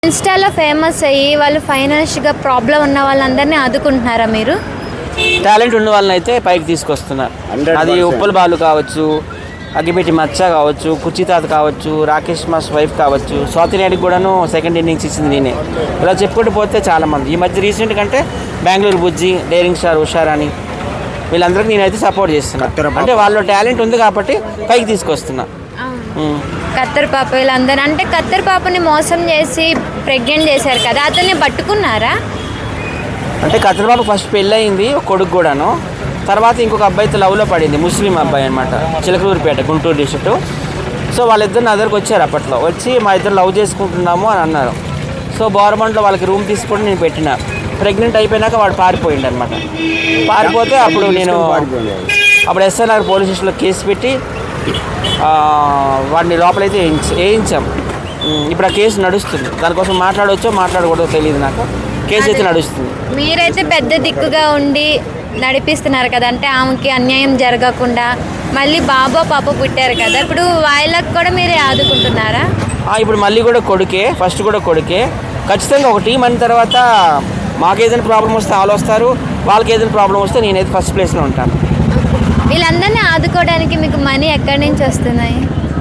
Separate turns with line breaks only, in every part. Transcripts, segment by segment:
ఇన్స్టాలో ఫేమస్ అయ్యి వాళ్ళు ఫైనాన్షియల్గా ప్రాబ్లం ఉన్న వాళ్ళందరినీ ఆదుకుంటున్నారా మీరు?
టాలెంట్ ఉన్న వాళ్ళని అయితే పైకి తీసుకొస్తున్నారు. అది ఉప్పల్ బాలు కావచ్చు, అగ్గిపెట్టి మచ్చ కావచ్చు, కుచితాత కావచ్చు, రాకేష్ మాస్ వైఫ్ కావచ్చు, స్వాతి నాయుడికి కూడాను సెకండ్ ఇన్నింగ్స్ ఇచ్చింది నేనే. ఇలా చెప్పుకుంటూ పోతే చాలామంది ఈ మధ్య రీసెంట్ కంటే బెంగళూరు బుజ్జి, డైరింగ్ స్టార్ ఉషారాని వీళ్ళందరికీ నేనైతే సపోర్ట్ చేస్తున్నా. అంటే వాళ్ళ టాలెంట్ ఉంది కాబట్టి పైకి తీసుకొస్తున్నా.
కత్తర్ పాప వీళ్ళందరూ అంటే కత్తర్ పాపని మోసం చేసి ప్రెగ్నెంట్ చేశారు కదా, అతన్ని పట్టుకున్నారా?
అంటే కత్తర్ పాప ఫస్ట్ పెళ్ళయింది, కొడుకు కూడాను. తర్వాత ఇంకొక అబ్బాయితో లవ్లో పడింది, ముస్లిం అబ్బాయి అనమాట, చిలకలూరుపేట గుంటూరు డిస్ట్రిక్ట్. సో వాళ్ళిద్దరు నా దగ్గరకు వచ్చారు. అప్పట్లో వచ్చి మా ఇద్దరు లవ్ చేసుకుంటున్నాము అని అన్నారు. సో గవర్నమెంట్లో వాళ్ళకి రూమ్ తీసుకొని నేను పెట్టిన. ప్రెగ్నెంట్ అయిపోయినాక వాడు పారిపోయిండు అనమాట. పారిపోతే అప్పుడు నేను ఎస్ఎన్ఆర్ పోలీస్ స్టేషన్లో కేసు పెట్టి వాడిని లోపలైతే వేయించాం. ఇప్పుడు ఆ కేసు నడుస్తుంది. దానికోసం మాట్లాడవచ్చో మాట్లాడకూడదో తెలియదు నాకు. కేసు అయితే నడుస్తుంది.
మీరైతే పెద్ద దిక్కుగా ఉండి నడిపిస్తున్నారు కదా, అంటే ఆమెకి అన్యాయం జరగకుండా. మళ్ళీ బాబో పాప పుట్టారు కదా, ఇప్పుడు వాళ్ళకి కూడా మీరే ఆదుకుంటున్నారా?
ఇప్పుడు మళ్ళీ కూడా కొడుకే, ఫస్ట్ కూడా కొడుకే. ఖచ్చితంగా ఒక టీం అయిన తర్వాత మాకు ఏదైనా ప్రాబ్లం వస్తే వాళ్ళు వస్తారు, వాళ్ళకి ఏదైనా ప్రాబ్లం వస్తే నేనైతే ఫస్ట్ ప్లేస్లో ఉంటాను.
వీళ్ళందరినీ ఆదుకోవడానికి మీకు మనీ ఎక్కడి నుంచి వస్తున్నాయి?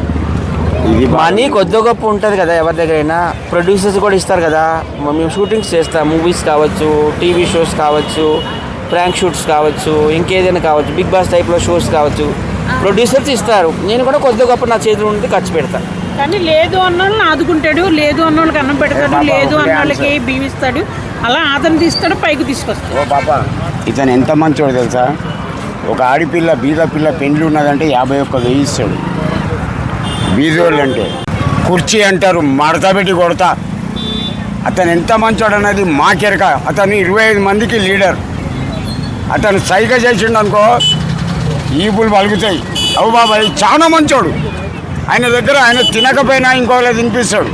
మనీ కొద్ది గొప్ప ఉంటుంది కదా ఎవరి దగ్గరైనా. ప్రొడ్యూసర్స్ కూడా ఇస్తారు కదా. మేము షూటింగ్స్ చేస్తాం, మూవీస్ కావచ్చు, టీవీ షోస్ కావచ్చు, ప్రాంక్ షూట్స్ కావచ్చు, ఇంకేదైనా కావచ్చు, బిగ్ బాస్ టైప్లో షోస్ కావచ్చు, ప్రొడ్యూసర్స్ ఇస్తారు. నేను కూడా కొద్ది గొప్ప నా చేతిలో ఉండి ఖర్చు పెడతాను.
కానీ లేదు అన్నోళ్ళని ఆదుకుంటాడు, లేదు అన్నోళ్ళకి అన్నం పెడతాడు, లేదు అన్నోళ్ళకి బీవిస్తాడు, అలా ఆదరణ తీస్తాడు, పైకి తీసుకొస్తాడు.
ఓ పాప, ఇతను ఎంత మంచోడు తెలుసా? ఒక ఆడపిల్ల బీద పిల్ల పెండ్లి ఉన్నదంటే 51,000 ఇస్తాడు. బీదోళ్ళు అంటే కుర్చీ అంటారు, మడత పెట్టి కొడతా. అతను ఎంత మంచోడు అన్నది మాకెరక. అతను 25 మందికి లీడర్. అతను సైగ చేసిండు అనుకో ఈపులు పలుకుతాయి. అవు బాబాయ్ చాలా మంచోడు. ఆయన దగ్గర ఆయన తినకపోయినా ఇంకోలా తినిపిస్తాడు.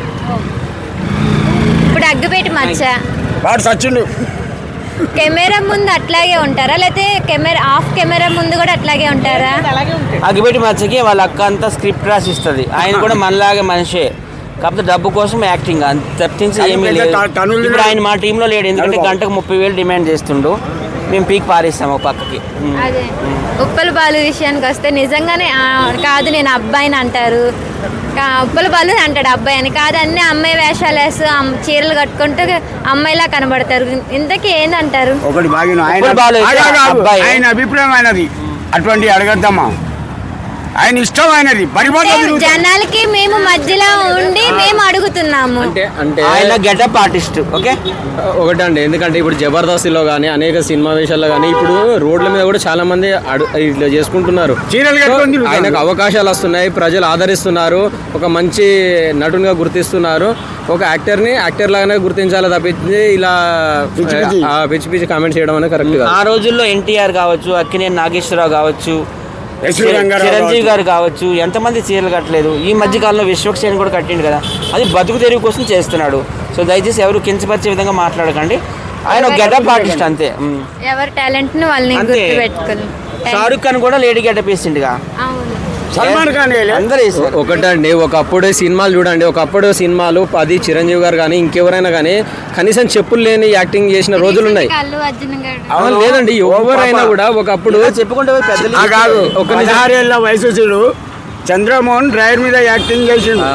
ఇప్పుడు అగ్గిపెట్టి మచ్చ
వాడు సచ్చిండు.
కెమెరా ముందు అట్లాగే ఉంటారా, లేకపోతే ఆఫ్ కెమెరా ముందు కూడా అట్లాగే ఉంటారా?
అగ్గిపెట్టి మచ్చకి వాళ్ళ అక్క అంతా స్క్రిప్ట్ రాసి ఇస్తుంది. ఆయన కూడా మనలాగే మనిషే, కాకపోతే డబ్బు కోసం యాక్టింగ్ తప్పించి ఏమీ లేదు. ఇప్పుడు ఆయన మా టీంలో లేడు, ఎందుకంటే గంటకు 30,000 డిమాండ్ చేస్తుండు. మేము పీక్ పారేస్తాము ఒక పక్కకి.
అదే ఉప్పల బాలు విషయానికి వస్తే నిజంగానే కాదు నేను అబ్బాయిని అంటారు, ఉప్పల బాలు అంటాడు అబ్బాయి అని. కాదు అన్ని అమ్మాయి వేషాలు వేస్తూ చీరలు కట్టుకుంటూ అమ్మాయిలా కనబడతారు. ఇంతకీ ఏందంటారు?
ఒకటి బాగా ఆయన అభిప్రాయం అయినది, అటువంటి అడగద్దమ్మా. ఆయన ఇష్టం అయినది.
జనాలకి మేము మధ్యలో ఉండి మేము అడుగుతున్నాము.
అంటే
ఆయన గెటప్ ఆర్టిస్ట్. ఓకే
ఒకటండి, ఎందుకంటే ఇప్పుడు జబర్దస్త్లో కానీ అనేక సినిమా వేషాల్లో కానీ ఇప్పుడు రోడ్ల మీద కూడా చాలా మంది ఇట్లా చేసుకుంటున్నారు. ఆయనకు అవకాశాలు వస్తున్నాయి, ప్రజలు ఆదరిస్తున్నారు, ఒక మంచి నటునిగా గుర్తిస్తున్నారు. ఒక యాక్టర్ లాగానే గుర్తించాలి తప్పించి ఇలా పిచ్చి పిచ్చి కామెంట్ చేయడం అనేది కరెక్ట్ కాదు.
ఆ రోజుల్లో ఎన్టీఆర్ కావచ్చు, అక్కినేని నాగేశ్వరరావు కావచ్చు, చిరంజీవి గారు కావచ్చు, ఎంతమంది చీరలు కట్టలేదు. ఈ మధ్య కాలంలో విశ్వక్సేన్ కూడా కట్టిండు కదా, అది బతుకు తెరువు కోసం చేస్తున్నాడు. సో దయచేసి ఎవరు కించపరిచే విధంగా మాట్లాడకండి. ఆయన గెటప్ ఆర్టిస్ట్ అంతే.
ఎవరి టాలెంట్ ని వాళ్ళని గుర్తుపెట్టుకోవాలి.
షారుఖ్ ఖాన్ కూడా లేడీ గెటప్ వేసిండుగా.
సల్మాన్ ఖాన్
ఒకటండి, ఒకప్పుడు సినిమాలు చూడండి, ఒకప్పుడు సినిమాలు అది చిరంజీవి గారు కానీ ఇంకెవరైనా కానీ కనీసం చెప్పులు లేని యాక్టింగ్ చేసిన రోజులు ఉన్నాయి. లేదండి, ఎవరైనా కూడా ఒకప్పుడు
చెప్పుకుంటే
కాదు. ఒక 16 ఏళ్ళ వయసు చూడు, చంద్రమోహన్ డ్రైవర్ మీద యాక్టింగ్ చేసిండు.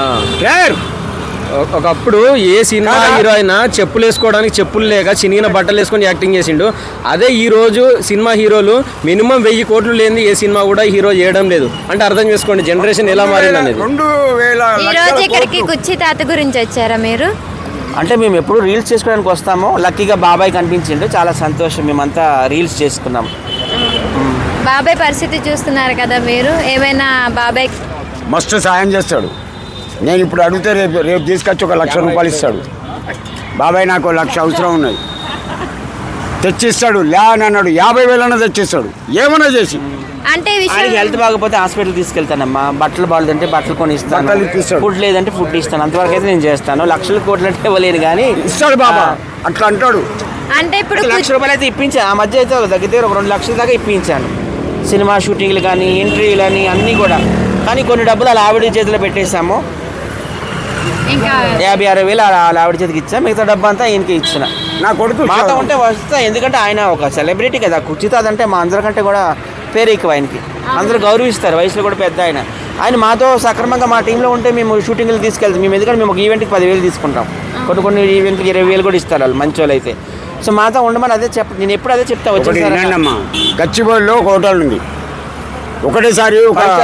ఒకప్పుడు ఏ సినిమా హీరో అయినా చెప్పులు వేసుకోవడానికి చెప్పులు లేక చినిగిన బట్టలు వేసుకొని యాక్టింగ్ చేసిండు. అదే ఈ రోజు సినిమా హీరోలు మినిమం 1000 కోట్లు లేని ఏ సినిమా కూడా హీరో చేయడం లేదు. అంటే అర్థం చేసుకోండి జనరేషన్ ఎలా మారింది అనేది.
ఈ రోజు ఇక్కడికి కుర్చీ తాత గురించి వచ్చారా మీరు?
అంటే మేము ఎప్పుడు రీల్స్ చేసుకోవడానికి వస్తాము. లక్కీగా బాబాయ్ కనిపించిండు, చాలా సంతోషం. మేమంతా రీల్స్ చేసుకున్నాం.
బాబాయ్ పరిస్థితి చూస్తున్నారు కదా మీరు, ఏమైనా బాబాయ్
మస్తు సాయం చేస్తాడు. నేను ఇప్పుడు అడిగితే రేపు తీసుకొచ్చి 1,00,000 రూపాయలు ఇస్తాడు. బాబాయ్ నాకు 1,00,000 అవసరం ఉన్నది, తెచ్చిస్తాడు. లే అని అన్నాడు, 50,000 తెచ్చిస్తాడు, ఏమన్నా చేసి.
అంటే
హెల్త్ బాగపోతే హాస్పిటల్ తీసుకెళ్తానమ్మా. బట్టలు బాగుందంటే బట్టలు కొని ఇస్తాను, ఫుడ్ లేదంటే ఫుడ్ ఇస్తాను. అంతవరకు అయితే నేను చేస్తాను. లక్షల కోట్లు అంటే ఇవ్వలేను కానీ
ఇస్తాడు బాబా, అట్లా అంటాడు.
అంటే ఇప్పుడు
1,00,000 రూపాయలు అయితే ఇప్పించాను. ఆ మధ్య అయితే దగ్గర 2 లక్షల దాకా ఇప్పించాను. సినిమా షూటింగ్లు కానీ, ఇంటర్వ్యూలు కానీ అన్నీ కూడా. కానీ కొన్ని డబ్బులు అలా ఆవిడ చేతిలో పెట్టేశాము.
ఇంకా
50-60 వేలు వాళ్ళ ఆవిడ చేతికి ఇచ్చా, మిగతా డబ్బు అంతా ఈయనకి ఇచ్చిన.
నా కొడుకు
మాతో ఉంటే వస్తా, ఎందుకంటే ఆయన ఒక సెలబ్రిటీ కదా. కుర్చీతాజ్ అంటే మా అందరికంటే కూడా పేరు ఎక్కువ ఆయనకి, అందరూ గౌరవిస్తారు, వయసులో కూడా పెద్ద ఆయన. ఆయన మాతో సక్రమంగా మా టీంలో ఉంటే మేము షూటింగ్లు తీసుకెళ్తాం. మేము ఎందుకంటే మేము ఒక ఈవెంట్కి 10,000 తీసుకుంటాం, కొన్ని ఈవెంట్కి 20,000 కూడా ఇస్తారు వాళ్ళు, మంచి వాళ్ళు అయితే. సో మాతో ఉండమని అదే నేను ఎప్పుడు అదే చెప్తా వచ్చేసారి.
అమ్మా గచ్చిబౌలిలో ఒక హోటల్ ఉంది, ఒకటేసారి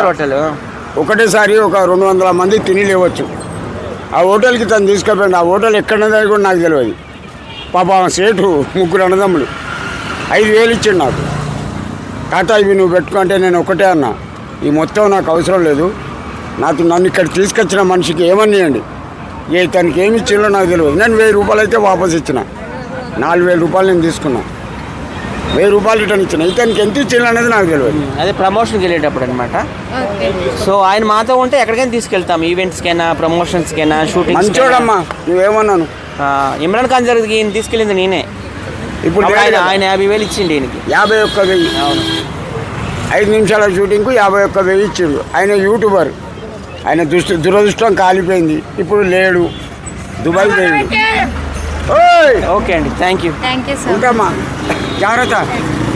ఒక 200 మంది తిని లేవచ్చు. ఆ హోటల్కి తను తీసుకుపోయింది. ఆ హోటల్ ఎక్కడన్నది కూడా నాకు తెలియదు. పాప సేటు 3 అన్నదమ్ములు 5,000 ఇచ్చిండు నాకు. టాటా ఇవి నువ్వు పెట్టుకుంటే నేను ఒకటే అన్నా, ఈ మొత్తం నాకు అవసరం లేదు, నన్ను ఇక్కడ తీసుకొచ్చిన మనిషికి ఏమనియండి, తనకి ఏమి ఇచ్చిందో నాకు తెలియదు. నేను 1000 రూపాయలు అయితే వాపస్ ఇచ్చిన, 4,000 రూపాయలు నేను తీసుకున్నా, 1000 రూపాయలు రిటర్న్ ఇచ్చిన. ఇతనికి ఎంత ఇచ్చిందో అనేది నాకు తెలియదు.
అదే ప్రమోషన్కి వెళ్ళేటప్పుడు అనమాట. సో ఆయన మాతో ఉంటే ఎక్కడికైనా తీసుకెళ్తాం, ఈవెంట్స్కైనా, ప్రమోషన్స్కైనా, షూటింగ్.
మంచోడమ్మా, నువ్వేమన్నాను.
ఇమ్రాన్ ఖాన్ జరిగి ఈయన తీసుకెళ్ళింది నేనే.
ఇప్పుడు
ఆయన 50,000 ఇచ్చిండి ఈయనకి.
51,000.
అవును,
5 నిమిషాల షూటింగ్కు 51,000 ఇచ్చిండు. ఆయన యూట్యూబర్. ఆయన దురదృష్టం కాలిపోయింది, ఇప్పుడు లేడు, దుబాయ్ పోయింది.
ఓకే అండి, thank you.
Thank you sir.
ఉంటామా, జాగ్రత్త.